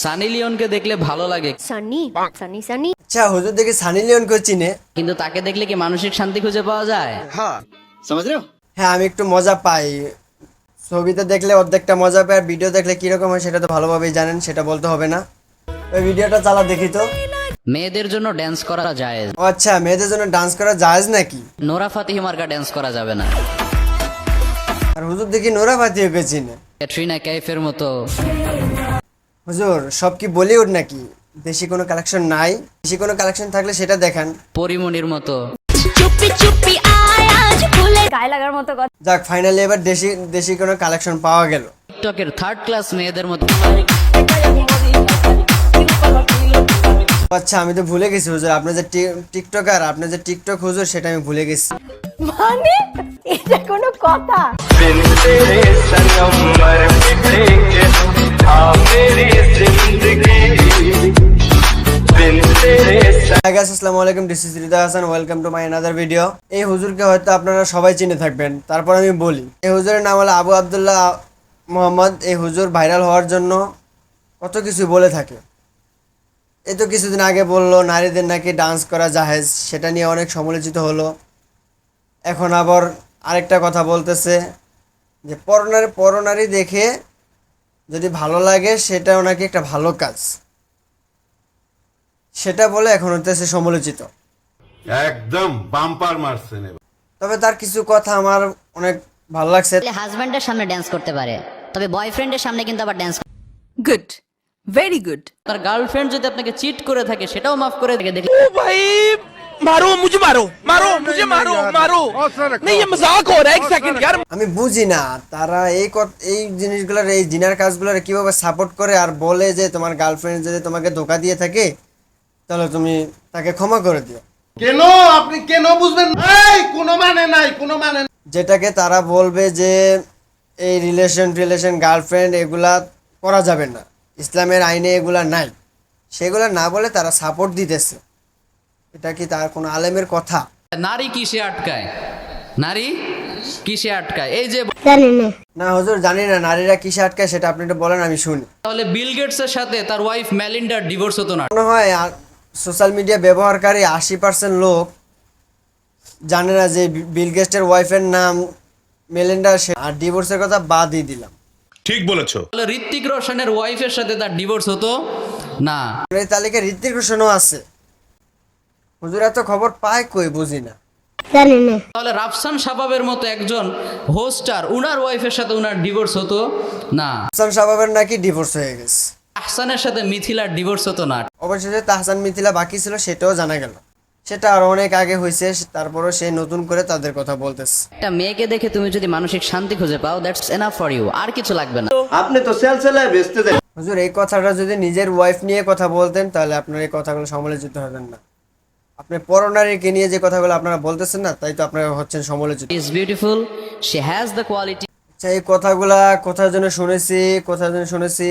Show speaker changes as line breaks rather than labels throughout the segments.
সানি লিওনকে দেখলে ভালো লাগে,
সানি সানি সানি
আচ্ছা হুজুর দেখি সানি লিওনকে চিনে।
কিন্তু তাকে দেখলে কি মানসিক শান্তি খুঁজে পাওয়া যায়?
হ্যাঁ আমি একটু মজা পাই, ছবিতে দেখলে অর্ধেকটা মজা পাই, আর ভিডিও দেখলে কিরকম হয় সেটা তো ভালোভাবেই জানেন, সেটা বলতে হবে না। ওই ভিডিওটা চালা দেখি তো।
মেয়েদের জন্য ড্যান্স করা যায়,
ও আচ্ছা, মেয়েদের জন্য ডান্স করা জায়েজ নাকি?
নোরা ফাতিহি মার্কা ড্যান্স করা যাবে না।
আর হুজুর দেখি নোরা ফাতিহিকে চিনে।
ক্যাটরিনা কাইফের মতো।
হুজুর সব কি বলিউড নাকি? দেশি কোনো কালেকশন নাই? দেশি কোনো কালেকশন থাকলে সেটা দেখান।
পরিমণির মতো।
চুপি চুপি আয় আজ ভুলে গায়ে লাগার মতো কথা।
যাক ফাইনালি এবার দেশি দেশি কোনো কালেকশন পাওয়া গেল।
টিকটকের থার্ড ক্লাস মেয়েদের মতো।
আচ্ছা আমি তো ভুলে গেছি হুজুর, আপনি যে টিকটকার, আপনি যে টিকটক হুজুর সেটা আমি ভুলে গেছি।
মানে এটা কোনো কথা?
আসসালামু আলাইকুম, this is Rida Hasan, welcome to my another video. এই হুজুরকে হয়তো আপনারা সবাই চিনে থাকবেন, তারপর আমি বলি এই হুজুরের নাম হলো আবু আবদুল্লাহ মোহাম্মদ। এই হুজুর ভাইরাল হওয়ার জন্য কত কিছু বলে থাকে। এই তো কিছুদিন আগে বললো নারীদের নাকি ডান্স করা জাহেজ, সেটা নিয়ে অনেক সমালোচিত হলো। এখন আবার আরেকটা কথা বলতেছে যে পরনারী দেখে যদি ভালো লাগে সেটাও নাকি একটা ভালো কাজ, সেটা বলে এখন হতেছে সমালোচিত।
একদম বাম্পার মারছেন।
তবে তার কিছু কথা আমার অনেক ভালো লাগছে।
হাজব্যান্ডের সামনে ড্যান্স করতে পারে, তবে বয়ফ্রেন্ডের সামনে কিন্তু আবার ড্যান্স
गुड वेरी गुड।
তার गार्लफ्रेंड যদি আপনাকে চিট করে থাকে সেটাও মাফ করে দেখে দেখলে
ओ भाई मारो मुझे, मारो मारो मुझे, मारो मारो नहीं, ये मजाक हो रहा है। एक सेकंड यार।
আমি বুঝি না তারা এই জিনিসগুলোর, এই জিনার কাজগুলোর কিভাবে সাপোর্ট করে আর বলে যে তোমার গার্লফ্রেন্ড যদি তোমাকে ধোকা দিয়ে থাকে তাহলে তুমি তাকে ক্ষমা করে দিও।
কেন আপনি কেন বুঝবেন? এই কোনো মানে নাই, কোনো মানে নাই।
যেটাকে তারা বলবে যে এই রিলেশন গার্লফ্রেন্ড এগুলা করা যাবে না, ইসলামের আইনে এগুলা নাই, সেগুলা না বলে তারা সাপোর্ট দিতেছে। এটা কি তার কোনো আলেমের কথা?
নারী কিসে আটকায়, নারী কিসে আটকায়? এই যে
না হুজুর জানি না নারীরা কিসে আটকায়, সেটা আপনি একটু বলেন আমি শুনি।
তাহলে বিল গেটসের সাথে তার ওয়াইফ মেলিন্ডার ডিভোর্স হতো না।
মনে হয় সোশ্যাল মিডিয়া ব্যবহারকারী 80% লোক জানে না যে বিল গেটসের ওয়াইফের নাম মেলিন্ডা, আর ডিভোর্সের কথা বাদই দিলাম।
ঠিক বলেছো।
তাহলে ঋত্বিক রোশনের ওয়াইফের সাথে তার ডিভোর্স হতো না।
এই তালিকায় ঋত্বিক রোশনও আছে। হুজুর এত খবর পায় কই বুঝি না।
তাহলে রাফসান শাবাবের মতো একজন হোস্টার, উনার ওয়াইফের সাথে উনার ডিভোর্স হতো না।
হাসান শাবাবের নাকি ডিভোর্স হয়ে গেছে।
আহসানের সাথে মিথিলার ডিভোর্স হতো না।
অবশেষে তাহসান মিথিলা বাকি ছিল, সেটাও জানা গেল। সেটা আর অনেক আগে হয়েছে, তারপরও সে নতুন করে তাদের কথা বলতেছে।
একটা মেয়েকে দেখে তুমি যদি মানসিক শান্তি খুঁজে পাও, দ্যাটস এনাফ ফর ইউ, আর কিছু লাগবে না।
আপনি তো সেলসেলায় বেচতে দেন।
হুজুর এই কথাটা যদি নিজের ওয়াইফ নিয়ে কথা বলতেন তাহলে আপনার এই কথাগুলো সমালোচিত হতেন না। আপনি পরনারীকে নিয়ে যে কথাগুলো আপনারা বলতেছেন না, তাই তো আপনারা হচ্ছেন সমালোচিত।
She is beautiful, she has the quality.
আচ্ছা এই কথাগুলা কোথায় যেন শুনেছি।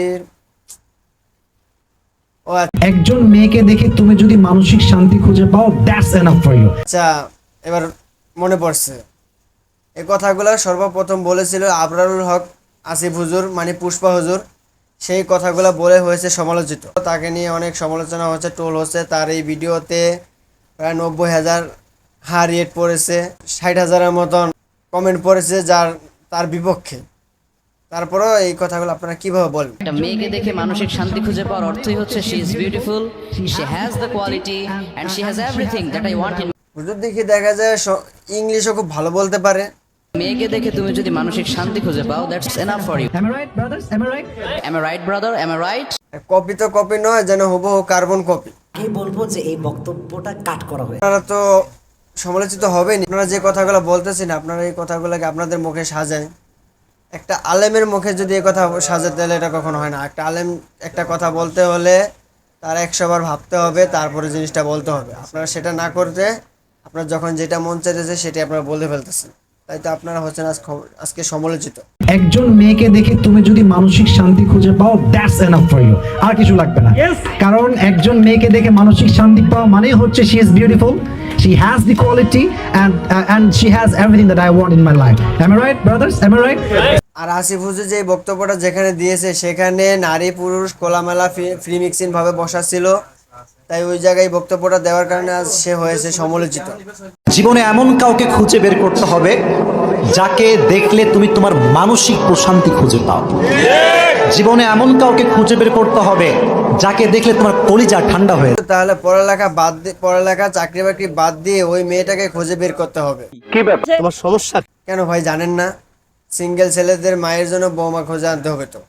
ও
একজন মেয়েকে দেখে তুমি যদি মানসিক শান্তি খুঁজে পাও, দ্যাটস এনাফ ফর ইউ।
আচ্ছা এবার মনে পড়ছে, এই কথাগুলো সর্বপ্রথম বলেছিল আবরারুল হক আসিফ হুজুর, মানে পুষ্পা হুজুর। সেই কথাগুলো বলে হয়েছে সমালোচিত, তাকে নিয়ে অনেক সমালোচনা হচ্ছে, টোল হচ্ছে। তার এই ভিডিওতে প্রায় 90,000 রেট পড়েছে, 60,000-এর মতন কমেন্ট পড়েছে তার বিপক্ষে। তারপরেও এই কথাগুলো আপনারা কিভাবে বলবেন?
একটা মেয়েকে দেখে মানসিক শান্তি খুঁজে পাওয়ার অর্থই হচ্ছে she is beautiful, she has the quality and she has everything that I want in.
হুজুর দেখি দেখা যায় ইংলিশও খুব ভালো বলতে পারে।
মেয়েকে দেখে তুমি যদি মানসিক শান্তি খুঁজে পাও, that's enough for you.
Am I right, brothers? Am I right?
Am I right, brother? Am I right?
Copy তো কপি নয়, যেন হুবহু কার্বন কপি।
কি বলবো যে এই বক্তব্যটা কাট করা হয়েছে।
আপনারা তো সমালোচিত হবেন। আপনারা যে কথাগুলো বলতেছেন, আপনারা এই কথাগুলোকে আপনাদের মুখে সাজায়। একটা আলেমের মুখে যদি এই কথা সাজাতে হলে এটা কখনো হয় না। একটা আলেম একটা কথা বলতে হলে তার 100 বার ভাবতে হবে, তারপরে জিনিসটা বলতে হবে। আপনারা সেটা না করতে আপনার যখন যেটা মন চাইতেছে সেটাই আপনারা বলে ফেলতেছেন, তাই তো আপনারা হচ্ছেন আজকে সমালোচিত।
একজন মেয়েকে দেখে তুমি যদি মানসিক শান্তি খুঁজে পাও, দ্যাটস এনাফ ফর ইউ, আর কিছু লাগবে না। কারণ একজন মেয়েকে দেখে মানসিক শান্তি পাওয়া মানে হচ্ছে she is beautiful, she has the quality and she has everything that I want in my life. Am I right, brothers? Am I right?
আর আসিফ হুজুর যে বক্তব্যটা যেখানে দিয়েছে সেখানে নারী পুরুষ খোলামেলা ফ্রি মিক্সিং ভাবে বসা ছিল, তাই ওই জায়গায় বক্তব্যটা দেওয়ার কারণে আজ সে হয়েছে সমালোচিত।
জীবনে এমন কাউকে খুঁজে বের করতে হবে যাকে দেখলে তুমি তোমার মানসিক প্রশান্তি খুঁজে পাও। জীবনে এমন কাউকে খুঁজে বের করতে হবে যাকে দেখলে তোমার কলিজা ঠান্ডা হয়ে যায়।
তাহলে পড়ালেখা চাকরি বাকরি বাদ দিয়ে ওই মেয়েটাকে খুঁজে বের করতে হবে।
তোমার সমস্যা
কেন ভাই জানেন না? সিঙ্গেল ছেলেদের মায়ের জন্য বৌমা খোঁজে আনতে হবে তো।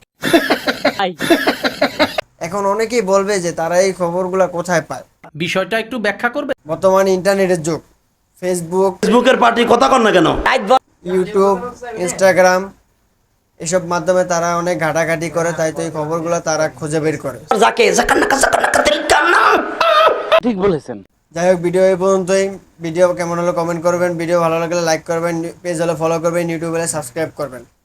এখন অনেকেই বলবে যে তারা এই খবরগুলা কোথায় পায়।
বিষয়টা একটু ব্যাখ্যা করবে।
বর্তমানে ইন্টারনেটের যুগ,
ফেসবুকের পার্টি কথা কন না কেন?
ইউটিউব, ইনস্টাগ্রাম এসব মাধ্যমে তারা অনেক ঘাটাঘাটি করে, তাই তো এই খবরগুলো তারা খুঁজে বের করে।
ঠিক বলেছেন।
যাই হোক, ভিডিও এই পর্যন্তই। ভিডিও কেমন হলো কমেন্ট করবেন, ভিডিও ভালো লাগলে লাইক করবেন, পেজ হলে ফলো করবেন, ইউটিউবে সাবস্ক্রাইব করবেন।